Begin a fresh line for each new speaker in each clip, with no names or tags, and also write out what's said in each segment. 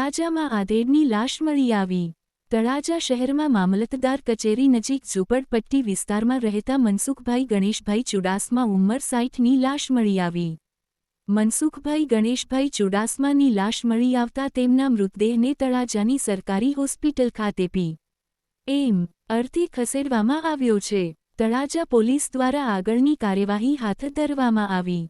તળાજામાં આધેડની લાશ મળી આવી। તળાજા શહેરમાં મામલતદાર કચેરી નજીક ઝૂંપડપટ્ટી વિસ્તારમાં રહેતા મનસુખભાઈ ગણેશભાઈ ચુડાસમા ઉંમર 60ની લાશ મળી આવી। મનસુખભાઈ ગણેશભાઈ ચુડાસમાની લાશ મળી આવતા તેમના મૃતદેહને તળાજાની સરકારી હોસ્પિટલ ખાતે પી.એમ. અર્થે ખસેડવામાં આવ્યો છે। તળાજા પોલીસ દ્વારા આગળની કાર્યવાહી હાથ ધરવામાં આવી।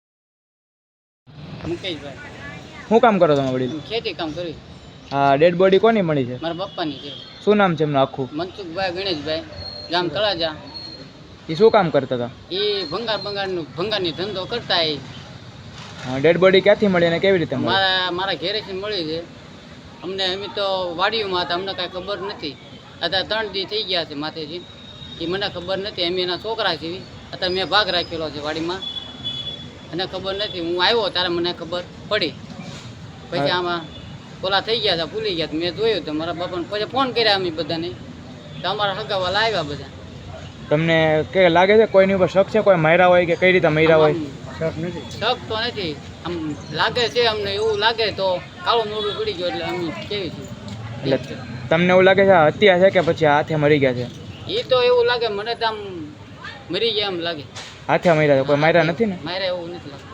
શું કામ કરો તમે વડીલ?
ખેતી કામ કરી।
આ ડેડ બોડી કોની મળી છે?
મારા પપ્પાની છે।
શું નામ છે એમનું આખું?
મનસુખભાઈ ગણેશભાઈ, ગામ તળાજા।
એ શું કામ કરતા હતા?
એ ભંગારની ધંધો કરતા। એ
ડેડ બોડી ક્યાંથી મળી અને કેવી રીતે મળી?
મારા ઘેરેથી મળી છે અમને। અમે તો વાડીઓમાં હતા, અમને કાંઈ ખબર નથી। અત્યારે 3 દી થઈ ગયા છે માથેથી, એ મને ખબર નથી। અમે એના છોકરા છીએ, અત્યારે મેં ભાગ રાખેલો છે વાડીમાં, મને ખબર નથી। હું આવ્યો ત્યારે મને ખબર પડી, પછી આમાં ઓલા થઈ ગયા હતા, ભૂલી ગયા। મેં જોયું તો મારા બાપાને પછી ફોન કર્યા અમે બધાને, તો અમારા હગાવાલા આવ્યા બધા।
તમને કે લાગે છે કોઈની ઉપર શક છે? કોઈ માર્યા હોય કે કઈ રીતે માર્યા હોય?
શક તો નથી, આમ લાગે છે અમને, એવું લાગે તો કાળું મોઢું પડી ગયું એટલે અમે કેવી છીએ।
એટલે તમને એવું લાગે છે આ હત્યા છે કે પછી હાથે મરી ગયા છે?
એ તો એવું લાગે મને, તો આમ મરી ગયા એમ લાગે।
હાથે મર્યા છે, કોઈ માર્યા નથી ને?
માર્યા એવું નથી લાગતું।